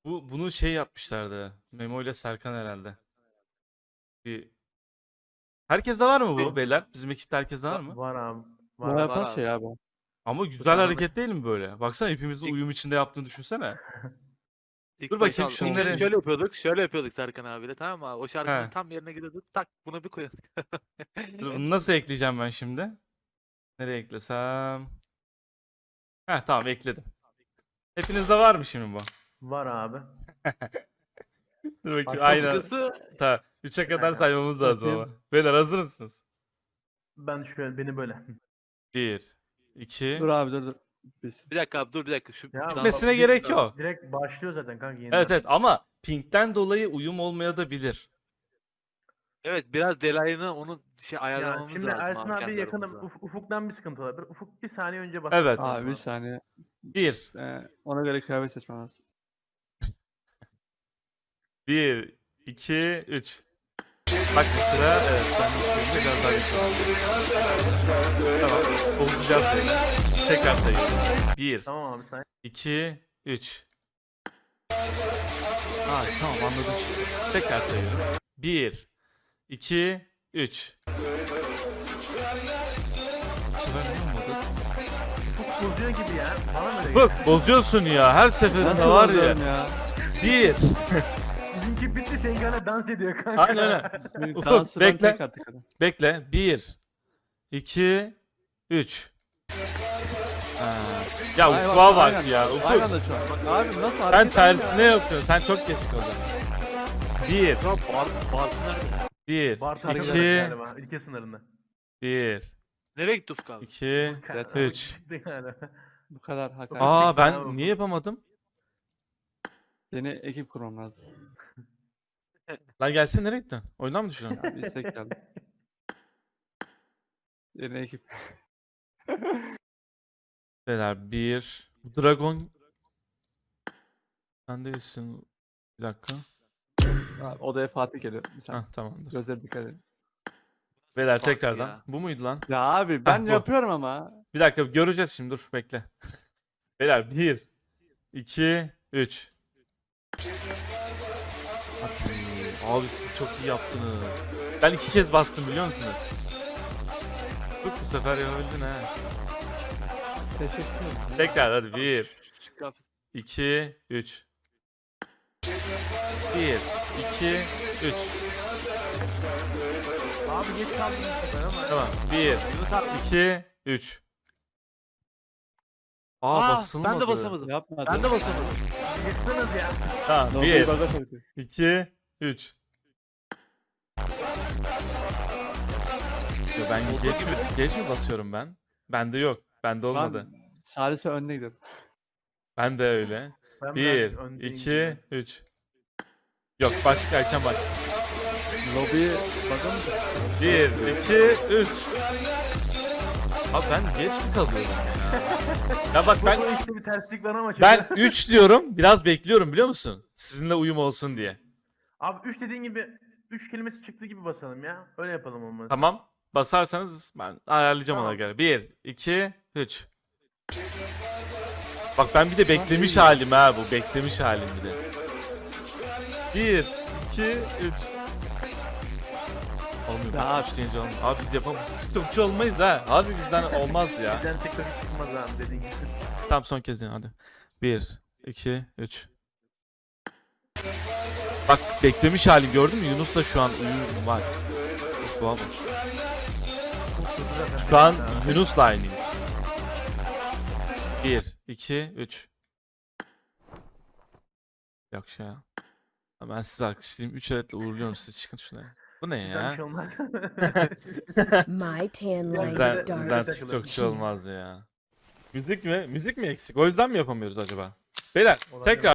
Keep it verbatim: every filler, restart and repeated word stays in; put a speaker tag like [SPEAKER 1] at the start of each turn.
[SPEAKER 1] Bu bunu şey yapmışlardı. Memo ile Serkan herhalde. Bir Herkeste var mı bu
[SPEAKER 2] Benim-
[SPEAKER 1] beyler? Bizim ekipte herkeste var
[SPEAKER 2] Va-
[SPEAKER 1] mı?
[SPEAKER 2] Var abi. Var
[SPEAKER 3] Bana
[SPEAKER 2] abi.
[SPEAKER 3] yapan
[SPEAKER 4] abi.
[SPEAKER 3] şey abi.
[SPEAKER 1] Ama güzel
[SPEAKER 2] tane
[SPEAKER 1] hareket değil mi böyle? Baksana hepimizin
[SPEAKER 4] İlk-
[SPEAKER 1] uyum içinde yaptığını düşünsene.
[SPEAKER 4] İlk
[SPEAKER 1] Dur
[SPEAKER 4] başta
[SPEAKER 1] bakayım
[SPEAKER 4] al-
[SPEAKER 1] şunları-
[SPEAKER 4] şöyle, şöyle yapıyorduk. Şöyle yapıyorduk Serkan abiyle, tamam mı abi? O şarkının
[SPEAKER 1] He.
[SPEAKER 4] tam yerine gidiyorduk. Tak bunu bir koyalım.
[SPEAKER 1] Dur, bunu nasıl ekleyeceğim ben şimdi? Nereye eklesem? Heh, tamam ekledim. Hepinizde var mı şimdi bu?
[SPEAKER 2] Var abi.
[SPEAKER 1] Dur bakayım.
[SPEAKER 2] Hatta
[SPEAKER 1] Aynen.
[SPEAKER 4] Kısacası
[SPEAKER 1] Tamam. üçe kadar
[SPEAKER 2] Aynen.
[SPEAKER 1] saymamız lazım ama.
[SPEAKER 3] Bakayım.
[SPEAKER 1] Beyler hazır mısınız?
[SPEAKER 2] Ben şöyle beni böyle.
[SPEAKER 1] bir, iki.
[SPEAKER 3] Dur abi dur dur. Biz.
[SPEAKER 4] bir dakika abi dur bir dakika. Şu
[SPEAKER 2] Ya
[SPEAKER 4] dans-
[SPEAKER 1] Gitmesine
[SPEAKER 2] bak,
[SPEAKER 1] gerek
[SPEAKER 2] direkt-
[SPEAKER 1] yok.
[SPEAKER 2] Direkt başlıyor zaten kanka yeniden.
[SPEAKER 1] Evet evet ama pinkten dolayı uyum olmaya da bilir.
[SPEAKER 4] Evet, biraz delayını onun şey
[SPEAKER 2] Ya
[SPEAKER 4] ayarlamamız
[SPEAKER 2] şimdi
[SPEAKER 4] lazım
[SPEAKER 2] Ersin
[SPEAKER 4] abi
[SPEAKER 2] abi
[SPEAKER 4] kendi
[SPEAKER 2] yakınım
[SPEAKER 4] aramızda.
[SPEAKER 2] uf- ufuktan bir sıkıntı olabilir. Ufuk bir saniye önce bas.
[SPEAKER 1] Evet.
[SPEAKER 3] Abi bir saniye.
[SPEAKER 1] bir,
[SPEAKER 3] Ee, ona göre kıyafet seçmem lazım.
[SPEAKER 1] bir, iki, üç. Bak mesela evet ben de biraz daha geçiyorum. Tamam. Bozacağız beyler. Tekrar sayıyorum. bir,
[SPEAKER 2] Tamam abi sen.
[SPEAKER 1] iki, üç. Aa tamam anladım. Tekrar sayıyorum. bir, iki, üç. Bu sefer ne olmadı?
[SPEAKER 2] Ufuk bozuyor gibi ya. Bana mı öyle
[SPEAKER 1] Bak
[SPEAKER 2] geliyor?
[SPEAKER 1] bozuyorsun ya her seferinde
[SPEAKER 3] Nasıl
[SPEAKER 1] var ya.
[SPEAKER 3] bozuyorum ya?
[SPEAKER 1] bir.
[SPEAKER 2] Bizimki bitti senin gene dans ediyor kanka.
[SPEAKER 1] Aynen öyle.
[SPEAKER 3] Benim
[SPEAKER 1] Ufuk,
[SPEAKER 3] dansı ben
[SPEAKER 1] bekle.
[SPEAKER 3] tek attık adam.
[SPEAKER 1] Bekle. bir, iki, üç. Ha. Ya
[SPEAKER 3] Ay
[SPEAKER 1] Ufuk'a bak
[SPEAKER 3] aynen.
[SPEAKER 1] ya.
[SPEAKER 3] Aynı
[SPEAKER 1] Ufuk.
[SPEAKER 3] anda şu an. Bak abi nasıl
[SPEAKER 1] Sen
[SPEAKER 3] hareket
[SPEAKER 1] tersine
[SPEAKER 3] ediyor ya?
[SPEAKER 1] yapıyorsun. Sen çok geç kaldın. bir,
[SPEAKER 4] Ya bar, bar nerede?
[SPEAKER 1] bir,
[SPEAKER 2] Bar tarzı
[SPEAKER 1] iki,
[SPEAKER 2] galiba. Ülke sınırında.
[SPEAKER 1] bir,
[SPEAKER 4] Nereye gitti Ufuk abi?
[SPEAKER 1] iki,
[SPEAKER 3] Evet,
[SPEAKER 1] üç.
[SPEAKER 3] Bu kadar hakaret.
[SPEAKER 1] Aa
[SPEAKER 2] Bravo.
[SPEAKER 1] ben niye yapamadım?
[SPEAKER 3] Yeni ekip kurmam lazım.
[SPEAKER 1] Lan gelsene nereye gittin? Oyundan mı düşüyorsun?
[SPEAKER 3] Abi istek geldi. Yeni ekip.
[SPEAKER 1] Beyler bir. Bu Dragon. Sen değilsin. Bir dakika.
[SPEAKER 3] Abi, odaya Fatih geliyor. Bir saniye.
[SPEAKER 1] Hah tamamdır.
[SPEAKER 3] Gözleri dikkat edin.
[SPEAKER 1] Beyler
[SPEAKER 4] Bak
[SPEAKER 1] tekrardan.
[SPEAKER 4] ya.
[SPEAKER 1] Bu muydu lan?
[SPEAKER 3] Ya abi ben
[SPEAKER 1] bu.
[SPEAKER 3] yapıyorum ama.
[SPEAKER 1] Bir dakika göreceğiz şimdi dur bekle. Beyler bir, iki, üç. Abi siz çok iyi yaptınız. Ben iki kez bastım biliyor musunuz? Bak bu sefer yapabildin ha.
[SPEAKER 3] Teşekkür ederim.
[SPEAKER 1] Tekrar hadi bir,
[SPEAKER 4] Şu kıyafet-
[SPEAKER 1] iki, üç. bir, iki, üç.
[SPEAKER 2] Abi geç kaldın bu sefer ama.
[SPEAKER 1] Tamam. bir,
[SPEAKER 4] Yunus abi.
[SPEAKER 1] iki, üç. Aa,
[SPEAKER 4] Aa,
[SPEAKER 1] basılmadı.
[SPEAKER 4] ben de basamadım.
[SPEAKER 3] Yapmadım.
[SPEAKER 4] Ben de basamadım.
[SPEAKER 2] Yıktınız ya.
[SPEAKER 1] Tamam.
[SPEAKER 3] Nobi'yi
[SPEAKER 1] bir,
[SPEAKER 3] baga koydu.
[SPEAKER 1] iki, üç. Yo, ben geç mi, geç mi basıyorum ben? Bende yok. Bende olmadı.
[SPEAKER 3] Ben Salise önüne gidiyorum.
[SPEAKER 1] Ben de öyle.
[SPEAKER 2] Ben
[SPEAKER 1] bir,
[SPEAKER 2] biraz öndeyim
[SPEAKER 1] iki,
[SPEAKER 2] gibi.
[SPEAKER 1] üç. Yok başka erken baş.
[SPEAKER 3] Lobiyi baga mı?
[SPEAKER 1] bir, iki, üç. Abi ben geç mi kalıyorum ya? Ya bak ben
[SPEAKER 2] Bu işte bir terslik var ama.
[SPEAKER 1] ben
[SPEAKER 2] şöyle-
[SPEAKER 1] üç diyorum. Biraz bekliyorum biliyor musun? Sizinle uyum olsun diye.
[SPEAKER 2] Abi üç dediğin gibi üç kelimesi çıktı gibi basalım ya. Öyle yapalım olmaz.
[SPEAKER 1] Tamam. Basarsanız ben ayarlayacağım ona
[SPEAKER 2] Tamam.
[SPEAKER 1] göre. bir, iki, üç. Bak ben bir de beklemiş halim ha bu. Beklemiş halim bir de. bir, iki, üç. Olmuyor.
[SPEAKER 3] Ya
[SPEAKER 1] Bak, üç deyince olmuyor. Abi biz yapamayız. TikTokçu olmayız ha. Harbi bizden olmaz ya.
[SPEAKER 2] Bizden TikTok çıkmaz abi dediğin gibi.
[SPEAKER 1] Tamam son kez yine hadi. bir, iki, üç. Bak beklemiş halim gördün mü? Yunus da şu an uyum var. Şu an, şu an Yunus'la aynıyız. bir, iki, üç. Yok şey ya. Ben sizi alkışlayayım. üç evetle uğurluyorum sizi. Çıkın şuna. Bu ne
[SPEAKER 2] Bizden bir
[SPEAKER 1] ya?
[SPEAKER 2] şey olmaz.
[SPEAKER 5] My tan line
[SPEAKER 1] Bizden,
[SPEAKER 5] starts
[SPEAKER 1] bizden
[SPEAKER 2] Takılır.
[SPEAKER 1] TikTokçu olmaz ya. Müzik mi? Müzik mi eksik? O yüzden mi yapamıyoruz acaba? Beyler
[SPEAKER 2] Olabilir.
[SPEAKER 1] tekrar